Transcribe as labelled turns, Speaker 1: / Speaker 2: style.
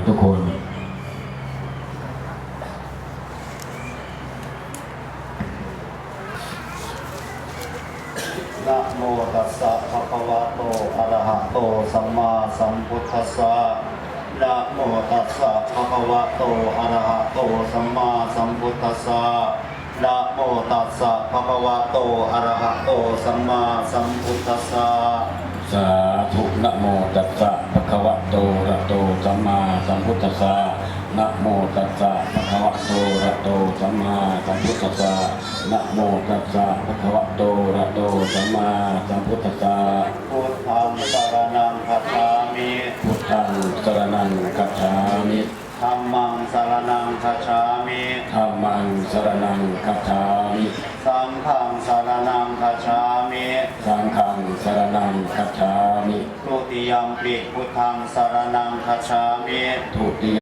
Speaker 1: ทุกคน
Speaker 2: นะโมตัสสะภะคะวะโตอะระหะโตสัมมาสัมพุทธัสสะนะโมตัสสะภะคะวะโตอะระหะโตสัมมาสัมพุทธัสสะนะโมตัสสะภะคะวะโตอะระหะโตสัมมาสัมพุทธัสสะ
Speaker 1: สาธุนะโมตัสสะภะคะวะโตอะระหะโตสัมมาสัมพุทธัสสะนะโมตัสสะภะคะวะโตอะระหะโตสัมมาสัมพุทธัสสะนะโมตัสสะภะคะวะโตอะระหะโตสัมมาสัมพุทธัสสะ
Speaker 2: พุทธังสรณังคัจฉามิ
Speaker 1: พุทธังสรณังคัจฉามิ
Speaker 2: ธัมมังสรณังคัจฉามิ
Speaker 1: ธัมมังสรณังคัจฉามิ
Speaker 2: สังฆังสรณังคัจฉามิ
Speaker 1: สังฆังสรณังคัจฉามิ
Speaker 2: ทุติยัมปิพุทธังสรณังคัจฉามิ
Speaker 1: ทุติ